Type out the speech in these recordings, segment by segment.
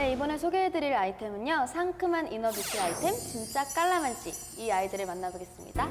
네, 이번에 소개해드릴 아이템은요. 상큼한 이너 뷰티 아이템 진짜 깔라만시. 이 아이들을 만나보겠습니다.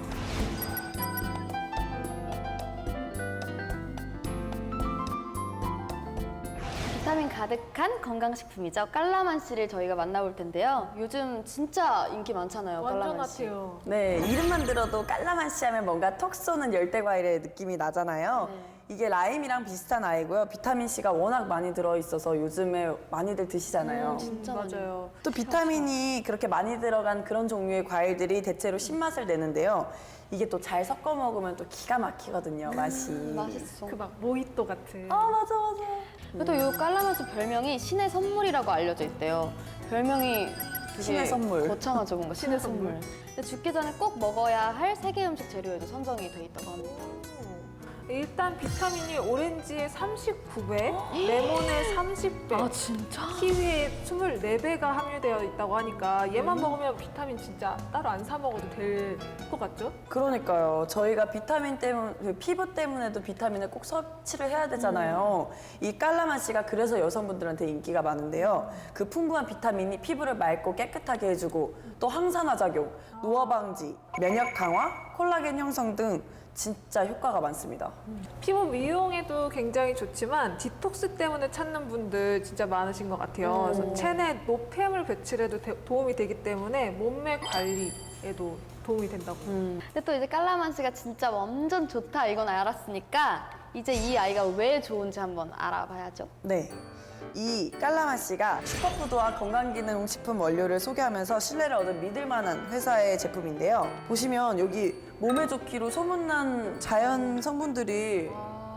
비타민 가득한 건강식품이죠. 깔라만시를 저희가 만나볼 텐데요. 요즘 진짜 인기 많잖아요. 완전 깔라만시. 핫해요. 네, 이름만 들어도 깔라만시 하면 뭔가 톡 쏘는 열대과일의 느낌이 나잖아요. 이게 라임이랑 비슷한 아이고요. 비타민C가 워낙 많이 들어있어서 요즘에 많이들 드시잖아요. 진짜 맞아요. 또 비타민이 그렇게 많이 들어간 그런 종류의 과일들이 대체로 신맛을 내는데요. 이게 또 잘 섞어 먹으면 또 기가 막히거든요, 맛이. 맛있어. 그 막 모히또 같은. 아, 맞아, 맞아. 그래도 이 깔라만시 별명이 신의 선물이라고 알려져 있대요. 별명이 되게 신의 선물. 거창하죠, 뭔가 신의 선물. 근데 죽기 전에 꼭 먹어야 할 세계 음식 재료에도 선정이 돼 있다고 합니다. 일단 비타민이 오렌지에 39배, 레몬에 30배, 진짜? 키위에 24배가 함유되어 있다고 하니까 얘만 먹으면 비타민 진짜 따로 안 사 먹어도 될 것 같죠? 그러니까요. 저희가 비타민 때문, 그 피부 때문에도 비타민을 꼭 섭취를 해야 되잖아요. 이 깔라만시가 그래서 여성분들한테 인기가 많은데요. 그 풍부한 비타민이 피부를 맑고 깨끗하게 해주고 또 항산화 작용, 노화 방지, 면역 강화, 콜라겐 형성 등 진짜 효과가 많습니다. 피부 미용에도 굉장히 좋지만 디톡스 때문에 찾는 분들 진짜 많으신 것 같아요. 그래서 체내 노폐물 배출에도 도움이 되기 때문에 몸매 관리에도 도움이 된다고. 근데 또 이제 깔라만시가 진짜 완전 좋다 이건 알았으니까 이제 이 아이가 왜 좋은지 한번 알아봐야죠. 네. 이 깔라만시가 슈퍼푸드와 건강기능식품 원료를 소개하면서 신뢰를 얻은 믿을만한 회사의 제품인데요. 보시면 여기 몸에 좋기로 소문난 자연 성분들이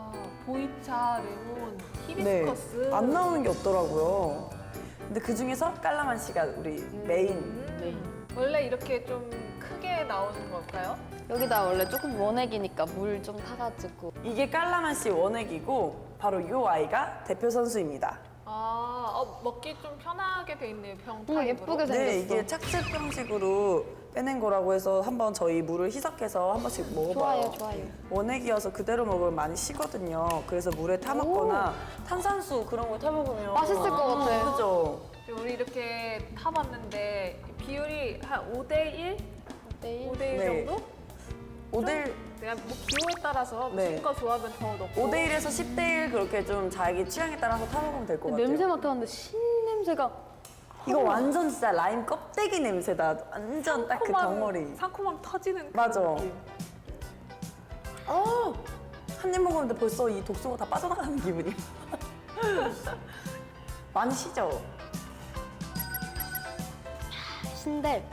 보이차, 레몬, 네, 히비스커스. 안 나오는 게 없더라고요. 근데 그 중에서 깔라만시가 우리 메인. 원래 이렇게 좀 크게 나오는 걸까요? 여기다 원래 조금 원액이니까 물 좀 타가지고 이게 깔라만시 원액이고 바로 이 아이가 대표 선수입니다. 먹기 좀 편하게 돼 있네요, 병 오, 타입으로. 예쁘게 생겼어. 네, 이게 착즙 형식으로 빼낸 거라고 해서 한번 저희 물을 희석해서 한 번씩 먹어봐요. 좋아요, 좋아요. 원액이어서 그대로 먹으면 많이 시거든요. 그래서 물에 타 먹거나 탄산수 그런 거 타 먹으면 맛있을 것 같아. 그죠? 우리 이렇게 타봤는데 비율이 한 5대1? 내일 5대1 네. 정도? 5대1, 그냥 뭐 기호에 따라서 네. 친구가 좋아하면 더 넣고 5대1에서 10대1 그렇게 좀 자기 취향에 따라서 타 먹으면 될 것 같아요. 냄새 맡았는데 신 냄새가 이거 완전 진짜 라임 껍데기 냄새다. 완전 딱 그 덩어리. 상콤함 터지는 그런 맞아. 느낌. 한 입 먹었는데 벌써 이 독소가 다 빠져나가는 기분이. 많이 시죠? 신데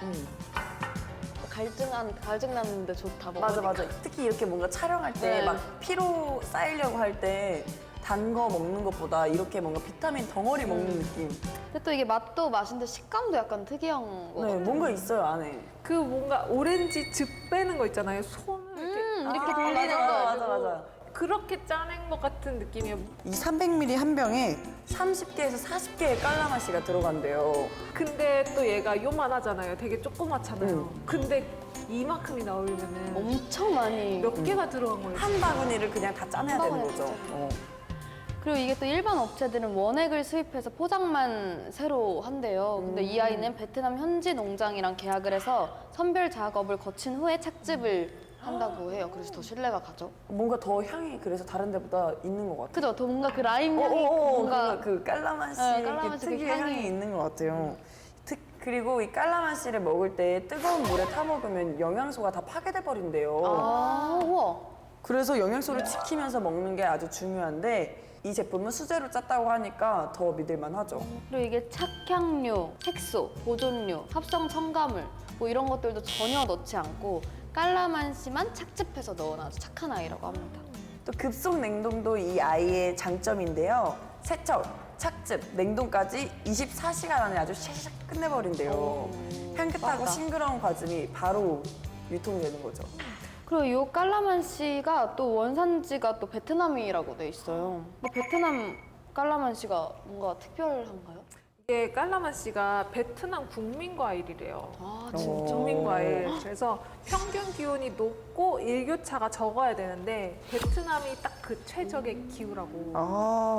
갈증 났는데 좋다 맞아, 먹으니까. 맞아. 특히 이렇게 뭔가 촬영할 때 네. 막 피로 쌓이려고 할 때 단 거 먹는 것보다 이렇게 뭔가 비타민 덩어리 먹는 느낌. 근데 또 이게 맛도 맛인데 식감도 약간 특이한 거 네, 같아요. 뭔가 있어요, 안에. 그 뭔가 오렌지 즙 빼는 거 있잖아요. 손을 이렇게 돌리는 거. 맞아, 맞아. 그렇게 짜낸 것 같은 느낌이에요. 이 300ml 한 병에 30개에서 40개의 깔라맛이가 들어간대요. 근데 또 얘가 요만하잖아요. 되게 조그맣잖아요. 근데 이만큼이 나오려면은 엄청 많이. 몇 개가 들어간 거예요. 한 바구니를 그냥 다 짜내야 한 되는 바구니를 거죠. 짜내야 어. 그리고 이게 또 일반 업체들은 원액을 수입해서 포장만 새로 한대요. 근데 이 아이는 베트남 현지 농장이랑 계약을 해서 선별 작업을 거친 후에 착즙을 한다고 해요. 그래서 더 신뢰가 가죠. 뭔가 더 향이 그래서 다른 데보다 있는 것 같아요. 그죠? 더 뭔가 그 라임 향이 뭔가 그 깔라만시 네, 깔라만시 그 특유의 향이. 향이 있는 것 같아요. 그리고 이 깔라만시를 먹을 때 뜨거운 물에 타 먹으면 영양소가 다 파괴돼 버린대요. 우와. 그래서 영양소를 지키면서 먹는 게 아주 중요한데 이 제품은 수제로 짰다고 하니까 더 믿을만 하죠. 그리고 이게 착향료, 색소, 보존료, 합성 첨가물 뭐 이런 것들도 전혀 넣지 않고 깔라만시만 착즙해서 넣은 아주 착한 아이라고 합니다. 또 급속 냉동도 이 아이의 장점인데요. 세척, 착즙, 냉동까지 24시간 안에 아주 샥샥 끝내버린대요. 향긋하고 맞다. 싱그러운 과즙이 바로 유통이 되는 거죠. 그리고 이 깔라만시가 또 원산지가 또 베트남이라고 돼 있어요. 근데 베트남 깔라만시가 뭔가 특별한가요? 이게 깔라만시가 베트남 국민 과일이래요. 아 국민 과일. 그래서 평균 기온이 높고 일교차가 적어야 되는데 베트남이 딱 그 최적의 기후라고. 아,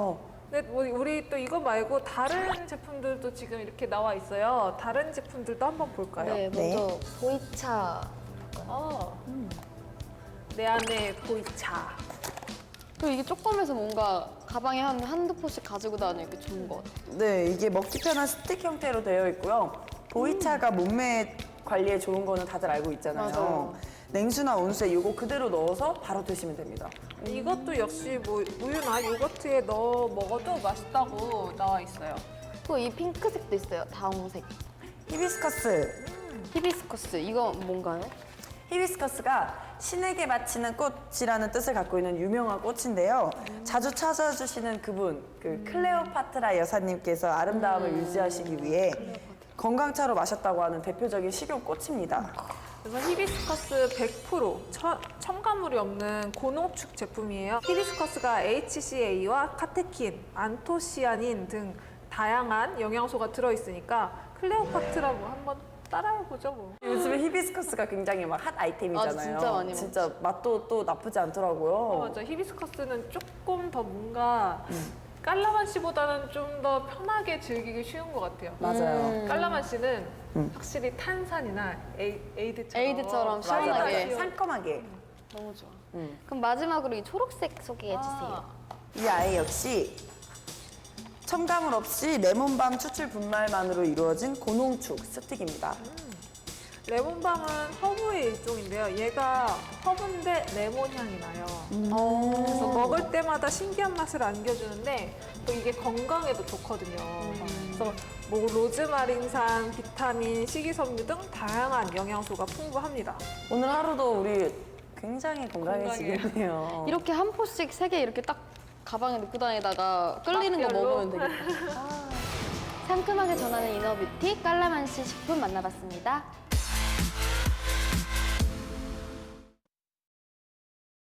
근데 우리 또 이거 말고 다른 제품들도 지금 이렇게 나와 있어요. 다른 제품들도 한번 볼까요? 네, 먼저 보이차. 내 안에 보이차. 그리고 이게 조그매서 뭔가 가방에 한두 포씩 가지고 다니기 좋은 것 같아요. 네, 이게 먹기 편한 스틱 형태로 되어 있고요. 보이차가 몸매 관리에 좋은 거는 다들 알고 있잖아요. 맞아요. 냉수나 온수에 이거 그대로 넣어서 바로 드시면 됩니다. 이것도 역시 뭐 우유나 요거트에 넣어 먹어도 맛있다고 나와 있어요. 그리고 이 핑크색도 있어요. 다홍색. 히비스커스. 히비스커스. 이거 뭔가요? 히비스커스가 신에게 바치는 꽃이라는 뜻을 갖고 있는 유명한 꽃인데요. 자주 찾아주시는 그분, 그 클레오파트라 여사님께서 아름다움을 유지하시기 위해 건강차로 마셨다고 하는 대표적인 식용꽃입니다. 그래서 히비스커스 100% 첨가물이 없는 고농축 제품이에요. 히비스커스가 HCA와 카테킨, 안토시아닌 등 다양한 영양소가 들어있으니까 클레오파트라고 한번 따라해보죠 뭐. 요즘에 히비스커스가 굉장히 막 핫 아이템이잖아요. 아, 진짜 많이 진짜 맛도 또 나쁘지 않더라고요. 맞아. 히비스커스는 조금 더 뭔가 깔라만시보다는 좀 더 편하게 즐기기 쉬운 것 같아요. 맞아요. 깔라만시는 확실히 탄산이나 에이드처럼 에이드처럼 맞아요. 시원하게. 상큼하게. 너무 좋아. 그럼 마지막으로 이 초록색 소개해주세요. 이 아이 역시 첨가물 없이 레몬밤 추출 분말만으로 이루어진 고농축 스틱입니다. 레몬밤은 허브의 일종인데요. 얘가 허브인데 레몬 향이 나요. 그래서 먹을 때마다 신기한 맛을 안겨주는데 또 이게 건강에도 좋거든요. 그래서 뭐 로즈마린산, 비타민, 식이섬유 등 다양한 영양소가 풍부합니다. 오늘 하루도 우리 굉장히 건강해지겠네요. 이렇게 한 포씩 3개 이렇게 딱 가방에 넣고 다니다가 끌리는 거 맛별로. 먹으면 되겠다. 상큼하게 전하는 이너뷰티 깔라만시 식품 만나봤습니다.